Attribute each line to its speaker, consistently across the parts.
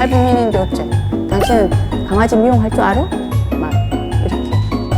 Speaker 1: 미인인데 어째? 당신은 강아지 미용할 줄 알아? 막 이렇게.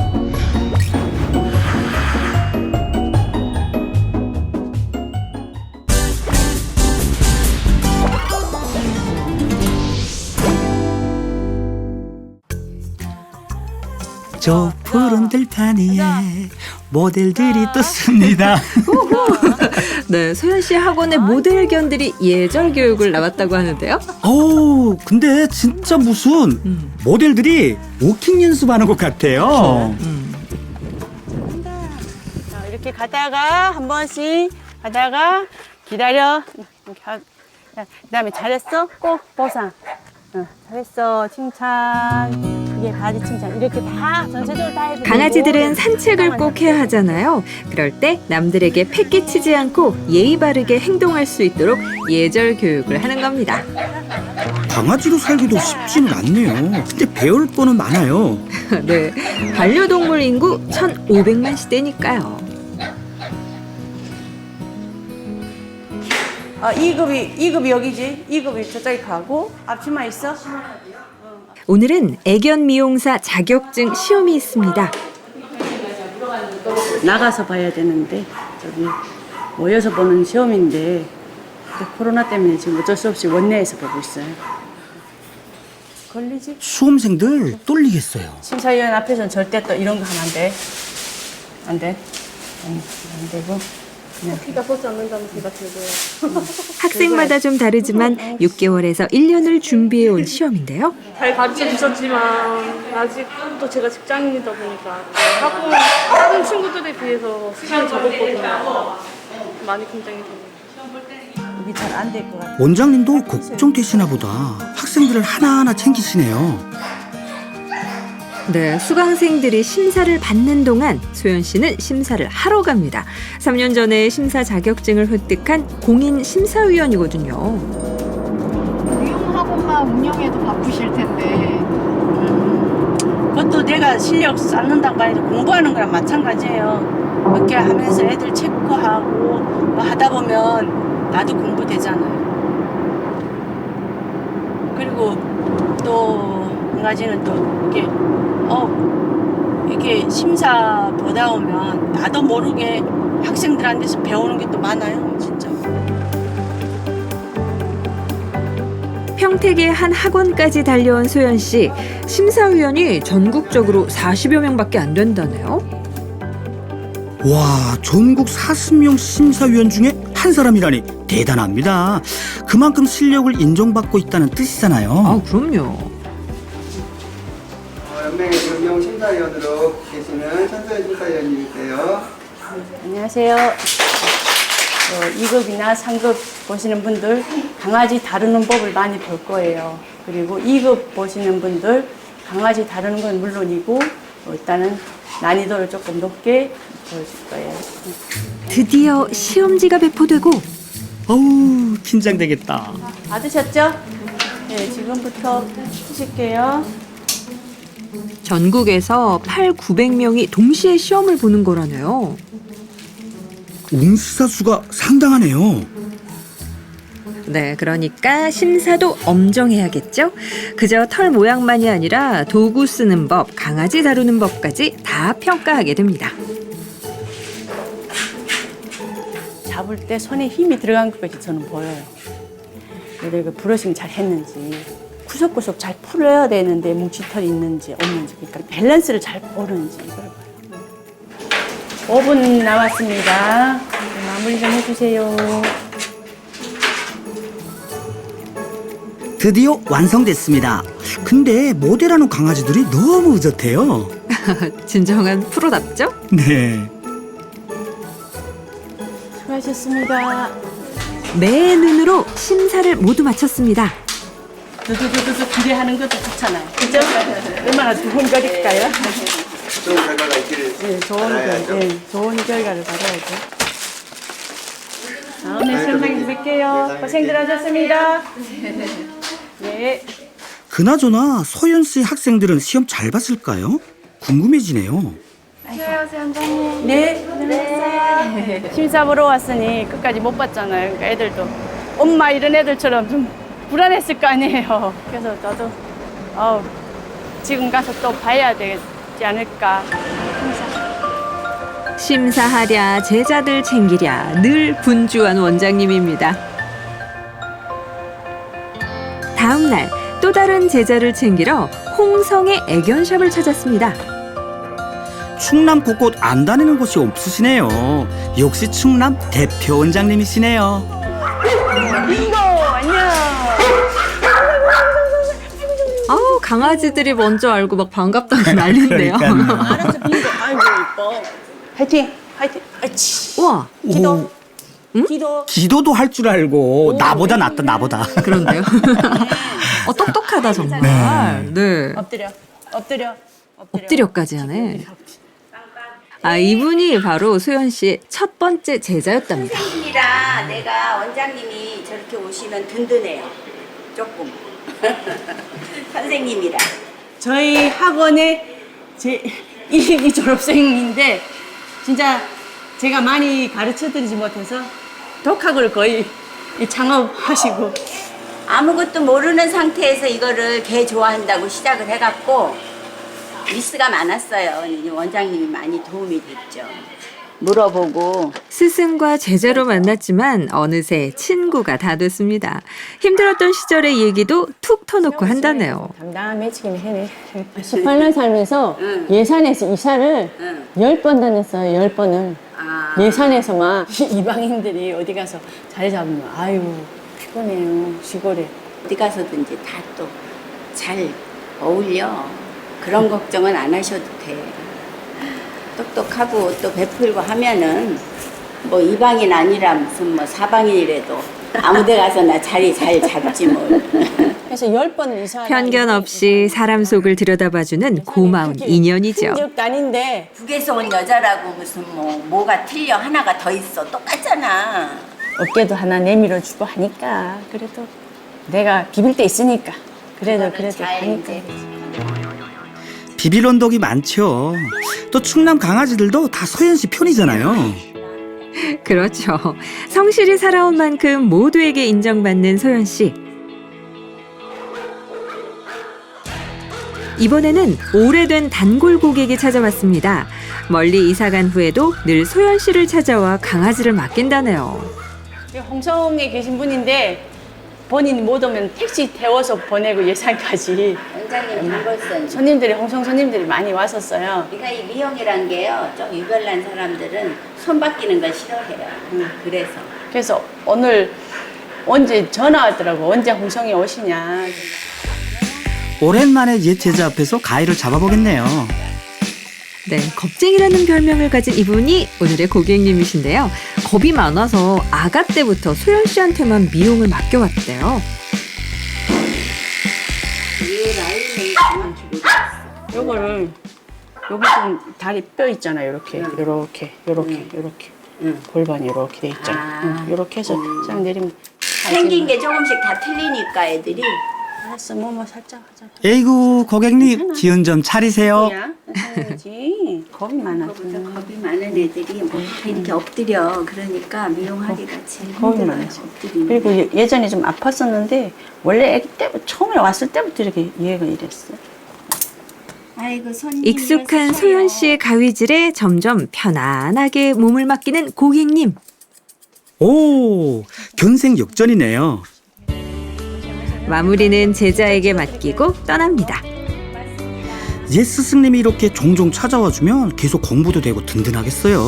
Speaker 2: 저 푸른 들판 위에 모델들이 떴습니다.
Speaker 3: 네, 소연 씨 학원의 모델견들이 예절 교육을 나왔다고 하는데요.
Speaker 2: 오, 근데 진짜 무슨 모델들이 워킹 연습하는 것 같아요.
Speaker 1: 자, 이렇게 가다가 한 번씩 가다가 기다려. 이렇게 그다음에 잘했어. 꼭 보상. 잘했어. 칭찬. 이게 바지 칭찬. 이렇게 다 전체적으로 다 해도
Speaker 3: 강아지들은
Speaker 1: 되고.
Speaker 3: 산책을 꼭 해야 하잖아요. 그럴 때 남들에게 패 끼치지 않고 예의 바르게 행동할 수 있도록 예절 교육을 하는 겁니다.
Speaker 2: 강아지로 살기도 쉽지는 않네요. 근데 배울 거는 많아요.
Speaker 3: 네, 반려동물 인구 1,500만 시대니까요.
Speaker 1: 2급이 여기지. 2급이 저쪽에 가고 앞치마 있어?
Speaker 3: 오늘은 애견 미용사 자격증 시험이 있습니다.
Speaker 1: 나가서 봐야 되는데 저기 모여서 보는 시험인데 코로나 때문에 지금 어쩔 수 없이 원내에서 보고 있어요. 걸리지?
Speaker 2: 수험생들 떨리겠어요.
Speaker 1: 심사위원 앞에서는 절대 또 이런 거 하면 안 돼. 안 돼. 안 되고.
Speaker 4: 피가 보지 않는다는 생각 들고요.
Speaker 3: 학생마다 좀 다르지만 6개월에서 1년을 준비해 온 시험인데요.
Speaker 4: 잘 가르쳐 주셨지만 아직도 제가 직장인이다 보니까 다른 친구들에 비해서 시간이 적었거든요. 많이 긴장이 되네요.
Speaker 1: 이게 잘 안 될 것 같아.
Speaker 2: 원장님도 걱정되시나 보다. 학생들을 하나하나 챙기시네요.
Speaker 3: 네, 수강생들이 심사를 받는 동안 소연 씨는 심사를 하러 갑니다. 3년 전에 심사 자격증을 획득한 공인 심사위원이거든요.
Speaker 5: 미용학원만 운영해도 바쁘실 텐데.
Speaker 1: 그것도 내가 실력 쌓는다고 해도 공부하는 거랑 마찬가지예요. 그렇게 하면서 애들 체크하고 뭐 하다 보면 나도 공부되잖아요. 그리고 또 한 가지는 또 이렇게 심사 보다 오면 나도 모르게 학생들한테서 배우는 게 또 많아요, 진짜.
Speaker 3: 평택의 한 학원까지 달려온 소연 씨. 심사위원이 전국적으로 40여 명밖에 안 된다네요.
Speaker 2: 와, 전국 40명 심사위원 중에 한 사람이라니 대단합니다. 그만큼 실력을 인정받고 있다는 뜻이잖아요.
Speaker 3: 아, 그럼요.
Speaker 6: 연맹의 금용 심사위원으로 계시는 천소연 심사위원님이세요.
Speaker 1: 안녕하세요. 2급이나 3급 보시는 분들 강아지 다루는 법을 많이 볼 거예요. 그리고 2급 보시는 분들 강아지 다루는 건 물론이고 일단은 난이도를 조금 높게 보여줄 거예요.
Speaker 3: 드디어 시험지가 배포되고
Speaker 2: 어우, 긴장되겠다.
Speaker 1: 받으셨죠? 네, 지금부터 쓰실게요.
Speaker 3: 전국에서 8,900명이 동시에 시험을 보는 거라네요.
Speaker 2: 응시자 수가 상당하네요.
Speaker 3: 네, 그러니까 심사도 엄정해야겠죠? 그저 털 모양만이 아니라 도구 쓰는 법, 강아지 다루는 법까지 다 평가하게 됩니다.
Speaker 1: 잡을 때 손에 힘이 들어간 것까지 저는 보여요. 내가 브러싱 잘 했는지 구석구석 잘 풀어야 되는데 뭉치털이 있는지 없는지 그러니까 밸런스를 잘 보는지 이걸 봐요. 5분 남았습니다. 마무리 좀 해주세요.
Speaker 2: 드디어 완성됐습니다. 근데 모델하는 강아지들이 너무 의젓해요.
Speaker 3: 진정한 프로답죠?
Speaker 2: 네.
Speaker 1: 수고하셨습니다.
Speaker 3: 매 눈으로 심사를 모두 마쳤습니다.
Speaker 1: 두두두두 기대하는 것도 좋잖아요. 그죠? 얼마나 좋은 거릴까요?
Speaker 6: 좋은 결과가 있기를
Speaker 1: 네,
Speaker 6: 바라야죠.
Speaker 1: 좋은 결과를 받아야죠. 다음에 설명해 뵐게요. 고생들 하셨습니다. 네.
Speaker 2: 그나저나 소연 씨 학생들은 시험 잘 봤을까요? 궁금해지네요.
Speaker 4: 안녕하세요, 원장님.
Speaker 1: 네, 고생했어요. 심사 보러 왔으니 끝까지 못 봤잖아요. 그러니까 애들도 엄마 이런 애들처럼 좀 불안했을 거 아니에요. 그래서 나도 지금 가서 또 봐야 되지 않을까.
Speaker 3: 심사하랴 제자들 챙기랴 늘 분주한 원장님입니다. 다음 날 또 다른 제자를 챙기러 홍성의 애견샵을 찾았습니다.
Speaker 2: 충남 곳곳 안 다니는 곳이 없으시네요. 역시 충남 대표 원장님이시네요.
Speaker 1: 빙고 안녕.
Speaker 3: 아우 강아지들이 먼저 알고 막 반갑다고 난리인데요.
Speaker 2: 그러니까요.
Speaker 1: 알았어 빙고. 아이고 이뻐. 화이팅 화이팅. 아치.
Speaker 3: 우와
Speaker 1: 기도. 기도.
Speaker 2: 기도도 할 줄 알고 나보다 낫다 나보다.
Speaker 3: 그런데요. 똑똑하다 정말. 네.
Speaker 1: 엎드려. 엎드려.
Speaker 3: 엎드려까지 하네. 아 이분이 바로 소연 씨의 첫 번째 제자였답니다.
Speaker 7: 선생님이라 내가 원장님이 저렇게 오시면 든든해요. 조금. 선생님이라.
Speaker 1: 저희 학원의 제 1기 졸업생인데 진짜 제가 많이 가르쳐드리지 못해서 독학을 거의 창업하시고
Speaker 7: 아무것도 모르는 상태에서 이거를 개 좋아한다고 시작을 해갖고 미스가 많았어요. 근데 원장님이 많이 도움이 됐죠. 물어보고
Speaker 3: 스승과 제자로 만났지만 어느새 친구가 다 됐습니다. 힘들었던 시절의 얘기도 툭 터놓고 한다네요.
Speaker 1: 담담해지긴 해네. 18년 살면서
Speaker 7: 응.
Speaker 1: 예산에서 이사를
Speaker 7: 응.
Speaker 1: 10번 다녔어요. 10번을.
Speaker 7: 아,
Speaker 1: 예산에서만 이방인들이 어디 가서 자리 잡으면 아유 피곤해요. 시골에.
Speaker 7: 어디 가서든지 다 또 잘 어울려. 그런 걱정은 안 하셔도 돼. 똑똑하고 또 베풀고 하면은 뭐 이방인 아니라 무슨 뭐 사방인이라도 아무데 가서나 자리 잘 잡지 뭘.
Speaker 1: 그래서 10번을 이사.
Speaker 3: 편견 없이 사람 속을 들여다봐주는 고마운 인연이죠.
Speaker 1: 적도 아닌데
Speaker 7: 북에서 온 여자라고 무슨 뭐가 틀려 하나가 더 있어 똑같잖아.
Speaker 1: 어깨도 하나 내밀어 주고 하니까 그래도 내가 비빌 때 있으니까 그래도
Speaker 7: 잘
Speaker 1: 하니까.
Speaker 7: 이제
Speaker 2: 비빌 언덕이 많죠. 또 충남 강아지들도 다 소연 씨 편이잖아요.
Speaker 3: 그렇죠. 성실히 살아온 만큼 모두에게 인정받는 소연 씨. 이번에는 오래된 단골 고객이 찾아왔습니다. 멀리 이사간 후에도 늘 소연 씨를 찾아와 강아지를 맡긴다네요.
Speaker 1: 홍성에 계신 분인데 본인이 못 오면 택시 태워서 보내고 예산까지
Speaker 7: 원장님 단골선.
Speaker 1: 손님들이 홍성 손님들이 많이 왔었어요.
Speaker 7: 우리가 이 미용이란 게요. 좀 유별난 사람들은 손 바뀌는 걸 싫어해요. 그래서
Speaker 1: 그래서 오늘 언제 전화 왔더라고. 언제 홍성에 오시냐.
Speaker 2: 오랜만에 옛 제자 앞에서 가위를 잡아보겠네요.
Speaker 3: 네, 겁쟁이라는 별명을 가진 이분이 오늘의 고객님이신데요. 겁이 많아서 아가 때부터 소연 씨한테만 미용을 맡겨왔대요.
Speaker 7: 이 라인을 그만 주고 있어.
Speaker 1: 요거를 여기 좀 다리 뼈 있잖아요. 요렇게 골반이 이렇게 돼 있잖아. 요렇게 해서 쫙 내리면
Speaker 7: 생긴 게 조금씩 다 틀리니까 애들이.
Speaker 1: 알았어. 뭐 살짝 하자.
Speaker 2: 에이구 고객님 기운 좀 차리세요.
Speaker 1: 뭐야? 해야지. 겁이 많아서.
Speaker 7: 겁이 많은 애들이 뭐 이렇게 엎드려. 그러니까 미용하기가 제일
Speaker 1: 겁이
Speaker 7: 힘들어요.
Speaker 1: 많아서.
Speaker 7: 엎드리는.
Speaker 1: 그리고 예전에 좀 아팠었는데 원래 애기 때부터 처음에 왔을 때부터 이렇게 얘가 이랬어.
Speaker 7: 아이고 손님.
Speaker 3: 익숙한 소연 씨의 가위질에 점점 편안하게 몸을 맡기는 고객님.
Speaker 2: 오 견생역전이네요.
Speaker 3: 마무리는 제자에게 맡기고 떠납니다.
Speaker 2: 옛 스승님이 이렇게 종종 찾아와 주면 계속 공부도 되고 든든하겠어요.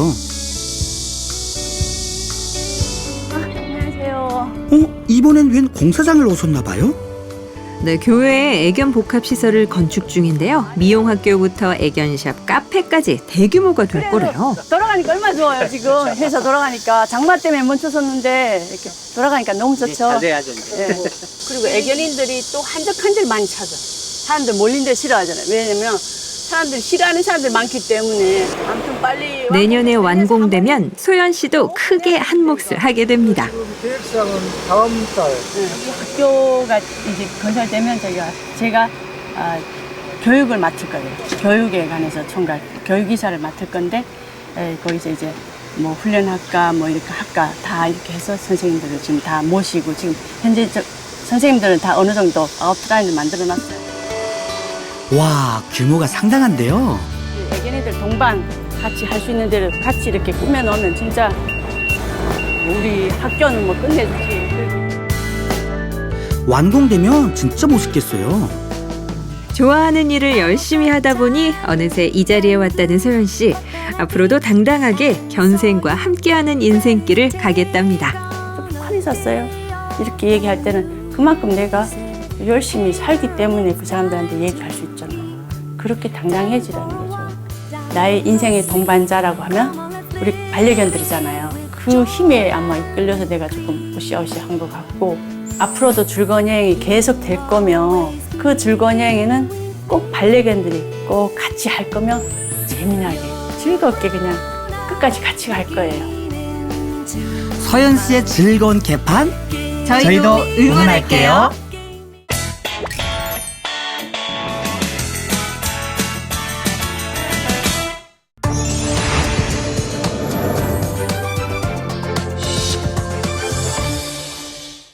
Speaker 1: 안녕하세요.
Speaker 2: 이번엔 웬 공사장을 오셨나 봐요?
Speaker 3: 네, 교회에 애견 복합 시설을 건축 중인데요. 미용학교부터 애견샵, 카페까지 대규모가 될 거래요.
Speaker 1: 돌아가니까 얼마나 좋아요. 지금 회사 돌아가니까 장마 때문에 멈춰섰는데 이렇게 돌아가니까 너무 좋죠.
Speaker 6: 자제하죠 이제.
Speaker 1: 예. 그리고 애견인들이 또 한적한적 많이 찾아. 사람들 몰린 데 싫어하잖아요. 왜냐면 사람들이 싫어하는 사람들 많기 때문에 아무튼 빨리
Speaker 3: 내년에 완공되면 소연 씨도 크게 한 몫을 하게 됩니다.
Speaker 8: 계획상은 다음 달.
Speaker 1: 이 학교가 이제 건설되면 제가 교육을 맡을 거예요. 교육에 관해서 총괄 교육이사를 맡을 건데 거기서 이제 뭐 훈련학과 뭐 이렇게 학과 다 이렇게 해서 선생님들을 지금 다 모시고 지금 현재 선생님들은 다 어느 정도 아웃라인을 만들어놨어요.
Speaker 2: 와, 규모가 상당한데요.
Speaker 1: 애견이들 동반 같이 할 수 있는 데를 같이 이렇게 꾸며놓으면 진짜 우리 학교는 뭐 끝내주지.
Speaker 2: 완공되면 진짜 멋있겠어요.
Speaker 3: 좋아하는 일을 열심히 하다 보니 어느새 이 자리에 왔다는 소연 씨. 앞으로도 당당하게 견생과 함께하는 인생길을 가겠답니다.
Speaker 1: 좀 북한에 샀어요. 이렇게 얘기할 때는 그만큼 내가 열심히 살기 때문에 그 사람들한테 얘기할 수 있잖아요. 그렇게 당당해지라는 거죠. 나의 인생의 동반자라고 하면 우리 반려견들이잖아요. 그 힘에 아마 이끌려서 내가 조금 으쌰으쌰한 것 같고, 앞으로도 즐거운 여행이 계속 될 거면 그 즐거운 여행에는 꼭 반려견들이 꼭 같이 할 거면 재미나게 즐겁게 그냥 끝까지 같이 갈 거예요.
Speaker 2: 서연 씨의 즐거운 개판
Speaker 3: 저희도 응원할게요.